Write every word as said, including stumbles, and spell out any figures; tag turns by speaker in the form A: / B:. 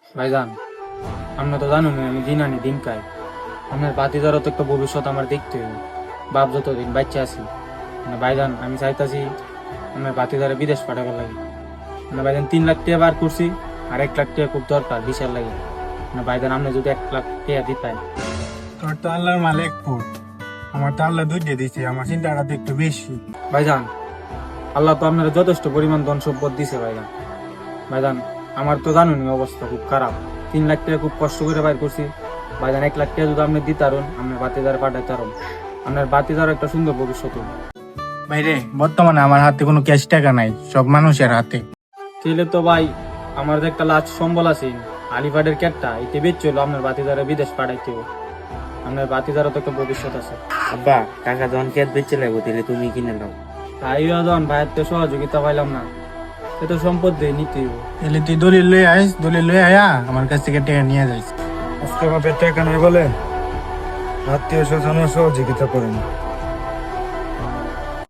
A: ভাইজান, আমরা তো জানো না আমি দিন আনি দিন খাই। আপনার বাতিদারও তো একটা ভবিষ্যৎ আমার দেখতে হবে। বাপ যতদিন বাচ্চা আছি মানে ভাইজান, আমি চাইতাছি আমার বাতিদারে বিদেশ পাঠাবার লাগে। মানে ভাইজান তিন লাখ টাকা বার করছি, আর এক লাখ টাকা খুব দরকার বিশাল লাগে। মানে ভাইজান আপনি যদি এক লাখ টাকা দিতেন।
B: তোর তো আল্লাহর মাল এক ফুট, আমার তো আল্লাহ দুই দিয়ে দিছে, আমার চিন্তাটা তো একটু বেশি।
A: ভাইজান, আল্লাহ তো আপনারা যথেষ্ট পরিমাণ ধন সম্পদ দিছে ভাইজান। ভাইজান, আমার তো জানুনি অবস্থা খুব খারাপ। তিন লাখ টাকা খুব কষ্ট করে বাইর করছি। ভাইজান এক লাখ টাকা যদি আপনি দিতারুন, আপনার বাতিদার পাঠাইতারুন, আপনার বাতিদার একটা সুন্দর ভবিষ্যৎ হবে।
B: ভাইরে, বর্তমানে আমার হাতে কোনো ক্যাশ টাকা নাই, সব মানুষের হাতে।
A: তাহলে তো ভাই আমার যে একটা লাচ সম্বল আছে আলিফাডের ক্যাটটা, এতে বেচছিল আপনার বাতিদারে বিদেশ পাঠাইতে হবে। আপনার বাতিদারও তো একটা ভবিষ্যৎ আছে।
C: আব্বা, কাকা যখন ক্যাট বেচে লাগবো তাহলে তুমি কিনে দাও।
A: তাই যখন ভাইয়ের তো সহযোগিতা পাইলাম না, সে তো সম্পদ দিয়ে নিতে হবে।
B: তাহলে তুই দলিল লয়ে আইস, দলিল লয়ে আয়া আমার কাছ থেকে টাকা নিয়ে যাইস। আজকে বাপের টাকা নাই বলে আত্মীয় স্বজন সহযোগিতা করেন।